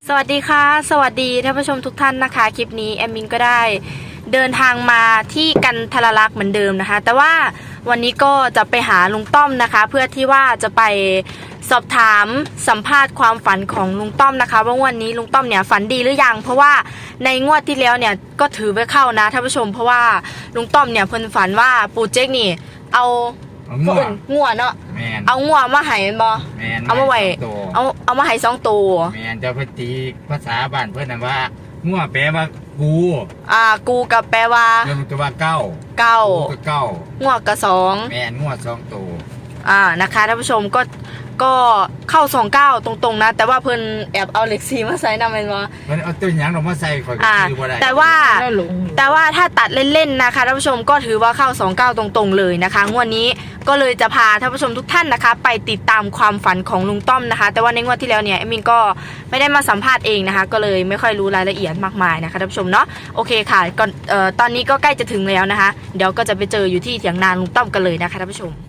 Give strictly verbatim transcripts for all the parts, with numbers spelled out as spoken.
สวัสดีค่ะสวัสดีท่านผู้ชมทุกท่านนะคะคลิปนี้แอมมินก็ได้เดินทางมาที่กันทรลักษณ์เหมือนเดิมนะคะแต่ว่าวันนี้ก็จะไปหาลุงต้อมนะคะเพื่อที่ว่าจะไปสอบถามสัมภาษณ์ความฝันของลุงต้อมนะคะว่าวันนี้ลุงต้อมเนี่ยฝันดีหรือยังเพราะว่าในงวดที่แล้วเนี่ยก็ถือไว้เข้านะท่านผู้ชมเพราะว่าลุงต้อมเนี่ยเพิ่นฝันว่าปู่เจ๊กนี่เอางัวงัวเนาะเอางัวมาให้บ่เอามาไว้เอาเอามาให้สองตัวแมนจะพตีภาษาบ้านเพื่อนนะว่างัวแปลว่ากูอ่ากูกับแปลว่าเรื่องตัวว่าเก้าเก้าเก้างัวกับสองแมนงัวสองตัวอ่านะคะท่านผู้ชมก็ก็เข้าสองเก้าตรงๆนะแต่ว่าเพิ่นแอบเอาเหล็กซีมาใส่นำเป็นว่ามันเอาตัวอย่างออกมาใส่คอยคือว่าได้แต่ว่าแต่ว่าถ้าตัดเล่นๆนะคะท่านผู้ชมก็ถือว่าเข้าสองเก้าตรงๆเลยนะคะงวดนี้ก็เลยจะพาท่านผู้ชมทุกท่านนะคะไปติดตามความฝันของลุงต้อมนะคะแต่ว่าในงวดที่แล้วเนี่ยเอมินก็ไม่ได้มาสัมภาษณ์เองนะคะก็เลยไม่ค่อยรู้รายละเอียดมากมายนะคะท่านผู้ชมเนาะโอเคค่ะก่อนเอ่อตอนนี้ก็ใกล้จะถึงแล้วนะคะเดี๋ยวก็จะไปเจออยู่ที่เถียงนาลุงต้อมกันเลยนะคะท่านผู้ชม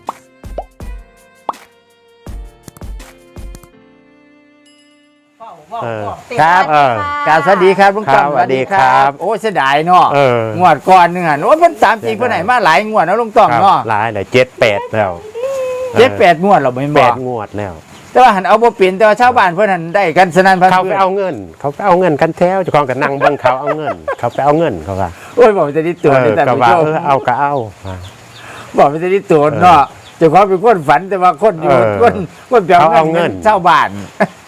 ครับการสวัสดีครับลุงต้อมสวัสดีครับโอ้เสียดายเนาะงวดก่อนนึงอ่ะโอ้มันสามจริงเพื่อนไหนมาหลายงวดนะลุงต้อมเนาะหลายเลยเจ็ดแปดแล้วเจ็ดแปดงวดเราไม่บอกแปดงวดแล้วแต่ว่าหันเอาบ่เปลี่ยนแต่ว่าชาวบ้านเพื่อนหันได้กันสนั่นพันเขาไปเอาเงินเขาไปเอาเงินกันแถวเจ้าของกันนั่งบังเขาเอาเงินเขาไปเอาเงินเขาว่าโอ้ยบอกจะได้ตัวแต่ก็ว่าเออเอาก็เอาบอกจะได้ตัวเนาะเจ้าของเป็นคนฝันแต่ว่าคนอยู่คนคนเปลี่ยนเอาเงินชาวบ้าน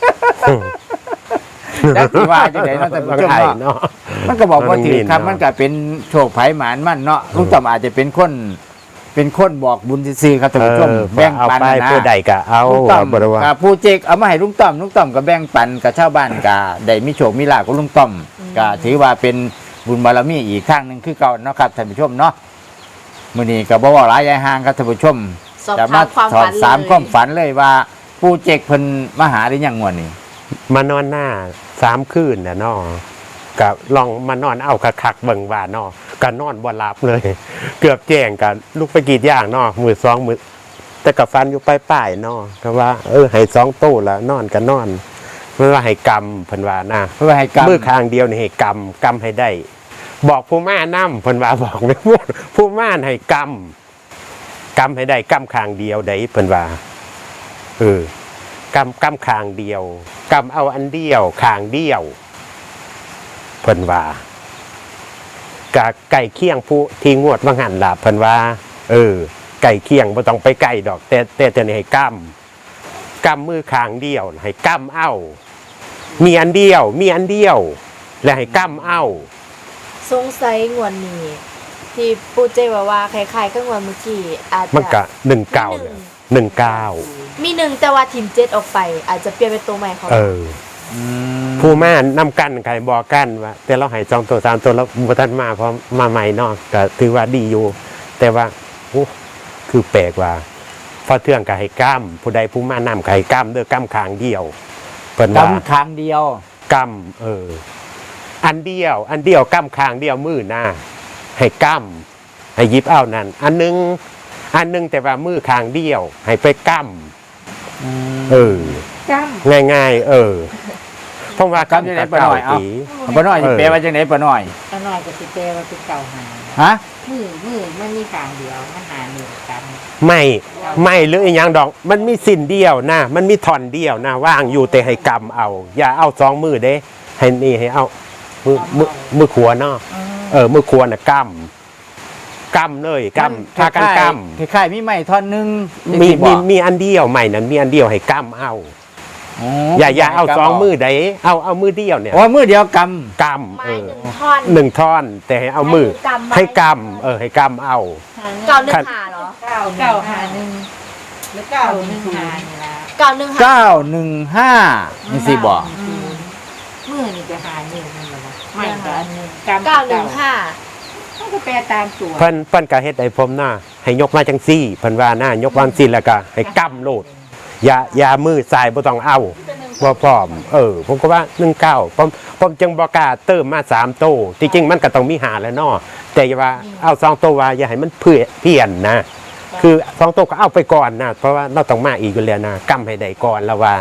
แล้วที่ว่าจะไหนเนาะแต่ผู้ชมเนาะมันก็บอกว่าถือครับมันก็เป็นโชคไผ่หมานมันเนาะลุงต้อมอาจจะเป็นคนเป็นคนบอกบุญซื่อครับท่านผู้ชมแบ่งปันนะผู้ใดก็เอาลุงต้อมกับผู้เจกเอามาให้ลุงต้อมลุงต้อมก็แบ่งปันกับชาวบ้านก็ได้มีโชคมีลาภกับลุงต้อมก็ถือว่าเป็นบุญบารมีอีกครั้งหนึ่งคือเก่าเนาะครับท่านผู้ชมเนาะมื้อนี้ก็บ่ว่าหลายยายห่างครับท่านผู้ชมจะมาสอบถามความฝันเลยว่าผู้เจกเพิ่นมาหาได้ยังงวดนี้มานอนหน้าสามคืนน่ะน้อกับลองมานอนเอาคักๆเบิ่งว่าน้อก็นอนบ่หลับเลยเกือบแจ้งกันลุกไปกรีดยางน้อมือสองมือแต่กับฟันอยู่ปลายๆน้อก็ว่าเออให้สองตู้ละนอนก็นอนเพื่อว่าให้กรรมเพิ่นว่านะเพื่อให้กรรมมือข้างเดียวนี่ให้กรรมกรรมให้ได้บอกผู้ม่านำเพิ่นว่าบอกไม่พูดผู้ม่านให้กรรมกรรมให้ได้กรรมข้างเดียวได้เพิ่นว่าเออกำกำคางเดียวกำเอาอันเดียวคางเดียวเพิ่นว่ากะไก่เคี่ยงผู้ที่งวดว่างหันล่ะเพิ่นว่าเออไก่เคี่ยงบ่ต้องไปไก่ดอกแต่แต่แต่นี่ให้กำกำมือคางเดียวให้กำเอามีอันเดียวมีอันเดียวและให้กำเอาสงสัยงวดนี้ที่ปู่เจว่าว่าคล้ายๆกับงวดเมื่อกี้อาจจะมันก็หนึ่งเก้าหนึ่งเก้ามีหนึ่งแต่ว่าทีมเจ็ดออกไปอาจจะเปลี่ยนเป็นตัวใหม่เขาเออผู้ม่านำกันใครบอกกันว่าแต่เราให้สองตัวสามตัวแล้วบุทันมาเพราะมาใหม่เนาะก็ถือว่าดีอยู่แต่ว่าโอ้คือแปลกว่าพอเทื่องกับให้ก้ามผู้ใดผู้ม่านำกับให้ก้ามเด้อก้ามคางเดียวเปิดก้ามคางเดียวก้ามเอออันเดียวอันเดียวก้ามคางเดียวมือหน้าให้ก้ามให้ยิบเอานั่นอันนึงอันนึงแต่ว่ามือคางเดียวให้ไปก้ำเออง่ายๆเออเพราะว่าก้ำจะไหนปะหน่อยเอาปะหน่อยจะแปลว่าจะไหนปะหน่อยปะหน่อยก็จะแปลว่าเป็นเก่าหาฮะมือมือมันมีคางเดียวมันหาหนึ่งกันไม่ไม่หรืออย่างดอกมันมีสิ้นเดียวนะมันมีท่อนเดียวนะว่างอยู่แต่ให้กำเอาอย่าเอาสองมือเด้ให้นี่ให้เอามือมือมือขวาเนาะเออมือขวาน่ะกำกำเลยกำถ้ากันกำคล้ายๆมีไม้ท่อนนึงมีมีมีอันเดียวใหม่นั้นมีอันเดียวให้กำเอาอย่าอย่าเอาสองมือใดเอาเอามือเดียวเนี่ยโอ้มือเดียวกำกำเออหนึ่งท่อนแต่ให้เอามือให้กำเออให้กำเอาเก้าหนึ่งหาเหรอเก้าเก้าหาหนึ่งหรือเก้าหนึ่งหานี่ละเก้าหนึ่งห้าเก้าหนึ่งห้านี่สิบอกมือนี่จะหาหนึ่งนั่นแหละไม่ก็อันนึงเก้าหนึ่งห้าก็แปลตามตัวเพิ่นเพิ่นก็เฮ็ดให้ผมหน้าให้ยกมาจังซี่เพิ่นว่าหน้ายกวางซี่แล้วก็ให้กำโลดอย่าอย่ามือสายบ่ต้องเอาบ่พร้อมเออผมก็ว่าหนึ่งเก้าผมผมจึงบ่กล้าเติมมาสามโตจริงๆมันก็ต้องมีหาแล้วเนาะแต่อย่าว่าเอาสองโตว่าอย่าให้มันเพื่อเพี้ยนนะคือสองโตก็เอาไปก่อนนะเพราะว่าเราต้องมาอีกอยู่แล้วนะกำให้ได้ก่อนแล้วว่า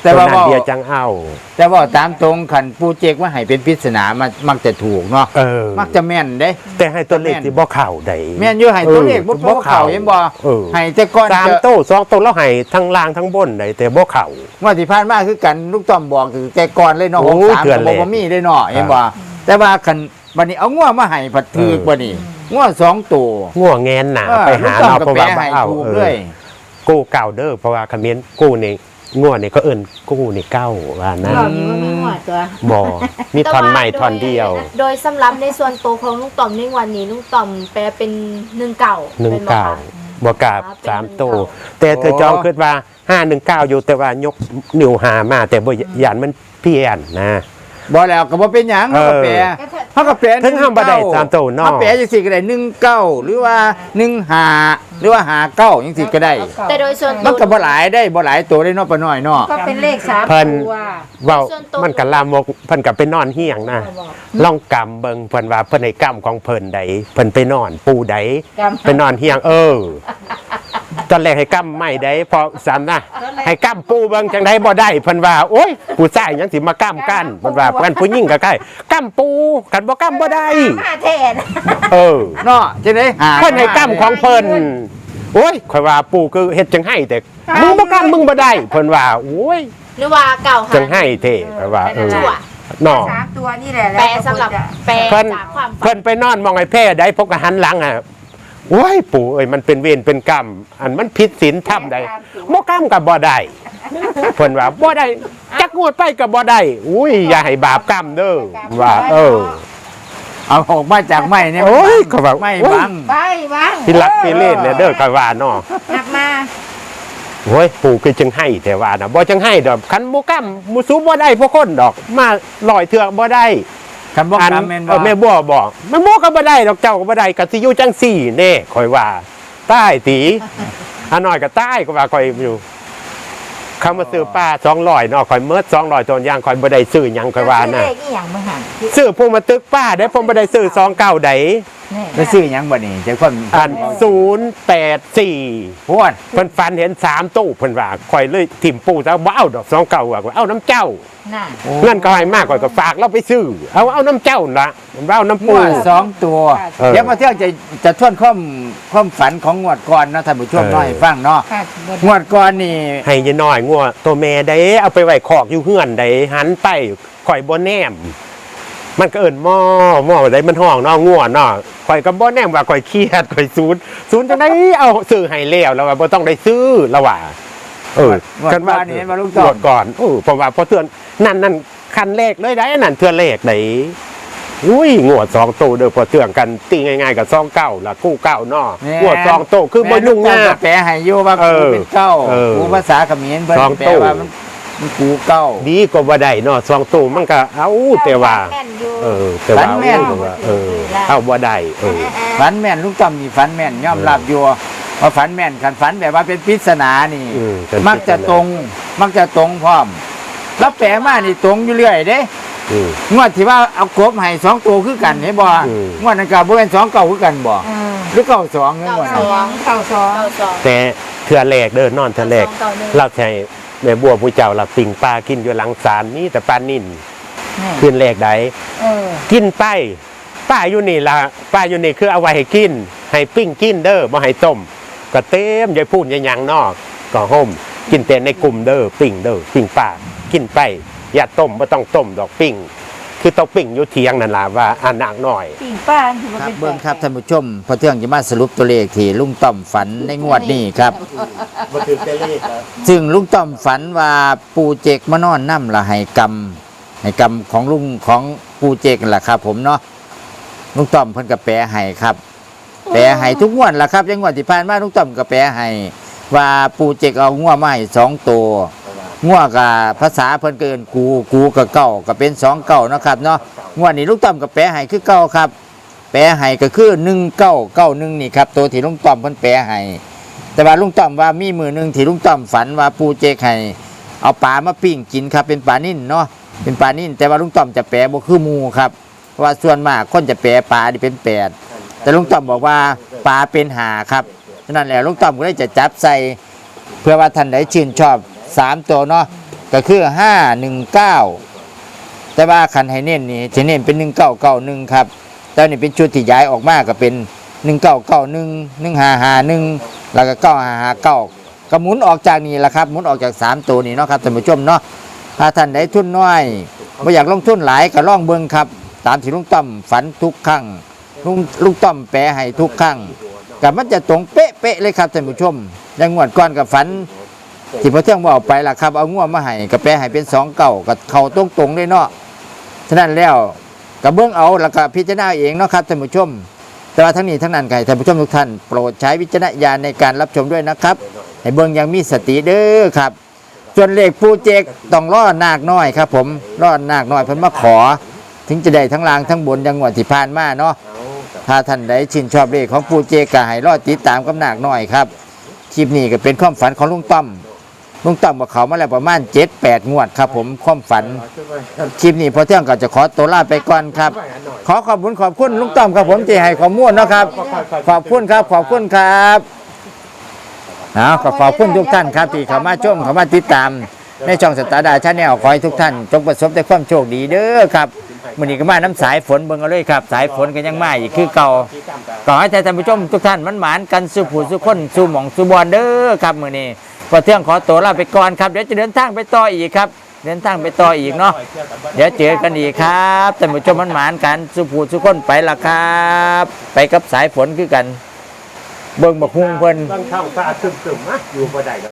แต่ตัวว่านั้นเว้าเดียวจังเอาแต่ว่าตามตรงขันปูเจกว่าให้เป็นปริศนามันมักจะถูกเนาะเออมักจะแม่นเด้แต่ให้ตัวเลขที่บ่เข้าได้แม่นอยู่ให้ตัวเลขบ่บ่เข้าเห็นบ่เออให้แต่ก่อนสามจะโต้สองโต้แล้วให้ทั้งล่างทั้งบนได้แต่บ่เข้าว่าที่ผ่านมาคือกันลูกต้อมบอกคือแต่ก่อนเลยเนาะโอ้หกสามเดือนก็แรบ่กบ่มีได้เนาะเห็นบ่แต่ว่าคันบัดนี้เอางัวมาให้ผัดถือกบ่นี่งัวสองตัวง่วงแงนหนาเออไปหาลูกต้อมเราก็เพราะแปลว่าให้บ่เอาถูกเอเลอย กู้เก่าเด้อเพราะว่าคำเมนกู้นี่ง่วงนี่ก็เอิ้นกู้นี่เก้าว่านะเรานี่ว่าไม่หัวตัวบ่มีท่อนใหม่ท่อนเดียวโดยสำหรับในส่วนตัวของลุงต่อมในวันนี้ลุงต่อมแปลเป็นหนึ่งเก่าหนึ่งป็บ่เก้าคะบวกกับเป็นสามหนึ่งตัวเก้าแต่เธอจองคิดว่าห้าหนึ่งเก้าอยู่แต่ว่ายกนิ้วหามา แต่บ่ยานมันเพี้ยนนะบ่แล้วก็บ่เป็นหยังเออเฮาก็แปลเฮาก็แปลถึงห้ามบ่ได้ตามตัวเนาะเฮาแปลจังซี่ก็ได้หนึ่งเก้าหรือว่าหนึ่งห้าหรือว่าห้าเก้าจังซี่ก็ได้แต่โดยส่วนมัตันวก็บ่หลายได้บ่หลายตัวได้เนาะปะน้อยเนาะก็เป็นเลขสามเพิ่นตัวเว้าส่วนตัวมันก็ลามกเพิ่นก็ไปนอนเฮียงนะลองกำเบิ่งเพิ่นว่าเพิ่นให้กำของเพิ่นใดเพิ่นไปนอนปูใดกำไปนอนเฮียงเออ ตอนแรกให้กำไม่ได้พอสามนะให้กำปูเบิ่งจังไดบ่ได้เพิ่นว่าโอ๊ยผู้ชายหยังสิมากำกันเพิ่นว่าเพิ่นผู้หญิงก็ใกล้กำปูกันบ่กำบ่ได้ห้าแทนเออเนาะจังได๋หาเพิ่นให้กำของเพิ่นโอ้ยข่อยว่าปูคือเฮ็ดจังให้แต่มึงบ่กำมึงบ่ได้เพิ่นว่าโอ้ยหรือว่าเก่าหาจังให้เท่ข่อยว่าเออชั่วเนาะสามตัวนี่แหละแปลสำหรับแปลเพิ่นจากความฝัเพิ่นนไปนอนมองไอ้แพร่ได้พกกหันหลังอ่ะโอ้ยปู่เอ้ยมันเป็นเวรเป็นกรรมอันมันผิดศีลธรรมใดบ่กรรมก็บ่ได้เพิ่นว่าบ่ได้จักงวดไปก็บ่ได้อุ้ยอย่าให้บาปกรรมเด้อว่า เออเอาออกมาจากไม้เนี่ยโอ้ยเขาบอกไม้โอ้ยบังไปบ้างพิลักพิเล่นเนี่ยเด้อก็ว่าเนาะกลับมาโอ้ยปู่คือจังให้แต่ว่าน่ะบ่จังให้ดอกคันบ่กรรมบ่สู้บ่ได้พวกคนดอกมาลอยเถือกบ่ได้คำบอกอันคำแม่นเออแม่บัวบอกแม่บัวก็บ่ได้ดอกเจ้าก็บ่ได้ก็สิอยู่จังสี่เน่คอยว่าใต้ตีหาน้อยก็ใต้ก็ว่าคอยอยู่เขามาซื้อป้าสองร้อยเนาะคอยเมิดสองร้อยตัวอย่างคอยบ่ได้ซื้อหยังคอยว่านะเลขอีหยังบ่หันซื้อพวกมาตึกป้าได้ผมบ่ได้ซื้อสองเก้าใดนี่แล้วซื้อหยังบ่นี่เจ้าคนอันศูนย์แปดสี่พวดเพิ่นฟันเห็นสามตู้เพิ่นว่าคอยเลยถิ่มปูซะบ่เอาดอกสองเก้าว่าเอาน้ำเจ้าน่ะเงินก็ให้มากกว่าก็ฝากเราไปซื้อเอาเอาน้ำเจ้าละเอาน้ำงปูวดสองตัวเออเดี๋ยวมาเที่ยวจะจะทวนความความฝันของงวดก่อนนะท่านผู้ชมเออน้อยฟังเนาะค่ะบ่งวดก่อนนี่ให้ยายน้อยงัวตัวแม่ได้เอาไปไว้คอกอยู่เฮือนได้หันไปข่อยบ่แนม มันก็เอิ้นหม้อหม้อได้มันห้องเนาะงัวเนาะข่อยก็บ่แนมว่าข่อยเครียดข่อยศูนย์ศูนย์จังได๋เอาซื้อให้แล้วแล้วว่าบ่ต้องได้ซื้อแล้วว่าเอองวดก่อนนี่เห็นว่าลูกจงอวดดก่อนเออเพราะว่าพอเตือนนั่นนั่นคันเลขเลยได้นั่นเทื่อเลขได้อุ้ยงวดสองโตเด้อพอเตือนกันตีง่ายๆกับซองเก้าล่ะกู้เก้าเนาะงวดสองโตคือบ่ยุ่งยากแปลให้อยู่ว่าเอกูอเป็นเก้าเออกูภาษาเขมรเพิ่นสองแปลตู้ว่ามันมันกูเก้าดีก็บ่ได้เนาะสองตู้มันก็เอาแต่ว่าแม่นอยู่เออแต่ว่าเอาว่าเออเอาบ่ได้เออฝันแม่นลูกต้อมนี่ฝันแม่นยอมรับอยู่ว่าฝันแม่นคันฝันแบบว่าเป็นปริศนานี่อืมเป็นปริศนามักจะตรง มักจะตรงพร้อมแล้วแปลมานี่ตรงอยู่เรื่อยเด้อืมงวดที่ว่าเอากบให้สองตัวคือกันเห็นบ่อืมงวดนั้นก็บ่เป็นสองเก่าคือกันบ่เออหรือเก่าสองเงี้ยงวดสนั้นองเก้าสองเก่าสองแต่เทื่อแรกเด้อนอนเทื่อแรกสองเก่าหนึ่งเราใช้แม่บัวผู้เจ้าเราปิ่งปลากินอยู่หลังศาลนี่แต่ปลานิ่นนี่คืนแรกใดเออกินไปป้าอยู่นี่ล่ะป้าอยู่นี่คือเอาไว้ให้กิน ให้ปิ้งกินเด้อบ่ให้ต้มก็เต็มยายพูดยายหยังนอกก็ห่มกินแต่ในกลุ่มเด้อปิ้งเด้อปิ้งป้ากินไปอย่าต้มบ่ต้องต้มดอกปิ้งคือต้องปิ้งอยู่เทียงนั่นล่ะว่าอันหนักหน่อยปิ่งป้าถือว่าครับเป็นเบิ่งครับท่านผู้ชมพอเที่ยงจะมาสรุปตัวเลขที่ลุงต้อมฝันในงวดนี้ครับบ่ถือแต่เลขครับซึ่งลุงต้อมฝันว่าปูเจกมานอนน้ำละให้กรรมให้กรรมของลุงของปูเจกนั่นแหละครับ ผมเนาะลุงต้อมเพิ่นก็แปลให้ครับ แปลให้ทุกงวดล่ะครับยังงวดที่ผ่านมาลุงต้อมก็แปลให้ว่าปูเจกเอางัวมาให้สองตัวงัวกับภาษาเพิ่นก็เอิ้นกูกูกับเก้าก็เป็นสองเก้าเนาะครับเนาะงวดนี้ลุงต้อมก็แปลให้คือเก้าครับ แปลให้ก็คือหนึ่งเก้าเก้าหนึ่งนี่ครับตัวที่ลุงต้อมเพิ่นแปลให้แต่ว่าลุงต้อมว่ามีมือหนึ่งที่ลุงต้อมฝันว่าปูเจกให้เอาปลามาปิ้งกินครับเป็นปลานิ่นเนาะเป็นปลานิ่นแต่ว่าลุงต้อมจะแปลบ่คือหมูครับเพราะว่าส่วนมากคนจะแปลปลาที่เป็นแปดแต่ลุงต้อมบอกว่าปลาเป็นหาครับฉะนั้นแหละลุงต้อมก็เลยจะจับใส่เพื่อว่าท่านใดชื่นชอบสามตัวเนาะก็คือห้าหนึ่งเก้าแต่ว่าคันให้เน้นนี่จะเน้นเป็นหนึ่งเก้าเก้าหนึ่งครับแต่นี่เป็นชุดที่ย้ายออกมาก็เป็นหนึ่งเก้าเก้าหนึ่งหนึ่งห้าห้าหนึ่งแล้วก็เก้าห้าห้าเก้าก็หมุนออกจากนี่แหละครับหมุนออกจากสามตัวนี้เนาะครับท่านผู้ชมเนาะถ้าท่านใดทุนน้อยไม่อยากลงทุนหลายก็ล่องเบิ่งครับตามที่ลุงต้อมฝันทุกครั้งลุงลุงต้อมแปลให้ทุกครั้งกับมันจะตรงเป๊ะๆเลยครับท่านผู้ชมยังงวดก่อนกับฝันที่พอเที่ยงบอกไปล่ะครับเอาง่วมาให้กับแปลให้เป็นสองเก่ากับเขาตรงตรงๆเลยเนาะฉะนั้นแล้วกับเบื้องเอาแล้วก็พิจารณาเองเนาะครับท่านผู้ชมแต่ว่าทั้งนี้ทั้งนั้นใครท่านผู้ชมทุกท่านโปรดใช้วิจารณญาณในการรับชมด้วยนะครับให้เบื้องยังมีสติเด้อครับส่วนเลขปูเจกต้องล่อนาคน้อยครับผมล่อนาคน้อยเพิ่นมาขอถึงจะได้ทั้งล่างทั้งบนยังงวดที่ผ่านมาเนาะถ้าท่านใดชื่นชอบเลขของปูเจกก็ให้รอติดตามกับนาคน้อยครับคลิปนี้ก็เป็นความฝันของลุงต้อมลุงต้อมบอกเขามาแล้วประมาณเจ็ดแปดงวดครับผมความฝันคลิปนี้พอเที่ยงก็จะขอตัวลาไปก่อนครับขอขอบคุณขอบคุณลุงต้อมครับผมที่ให้ข้อมูลเนาะครับขอบคุณครับขอบคุณครับเอาขอขอบคุณทุกท่านครับที่เข้ามาชมเข้ามาติดตามในช่องสตาร์ดาชาแนลขอให้ทุกท่านจงประสบแต่ความโชคดีเด้อครับมื้อนี้ก็มาน้ำสายฝนเบิ่งเอาเลยครับสายฝนก็ยังมาอีกคือเก่าขอให้ท่านผู้ชมทุกท่านมันหมานกันสู่ผู้สู่คนสู่หม่องสู่บอนเด้อครับมื้อนี้พอเที่ยงขอตัวลาไปก่อนครับเดี๋ยวจะเดินทางไปต่ออีกครับเดินทางไปต่ออีกเนาะเดี๋ยวเจอกันอีกครับท่านผู้ชมมันหมานกันสู่ผู้สู่คนไปละครับไปกับสายฝนคือกันเบิ่งบักฮุงเพิ่นต้องเข้าตาซึมๆนะอยู่บ่ได้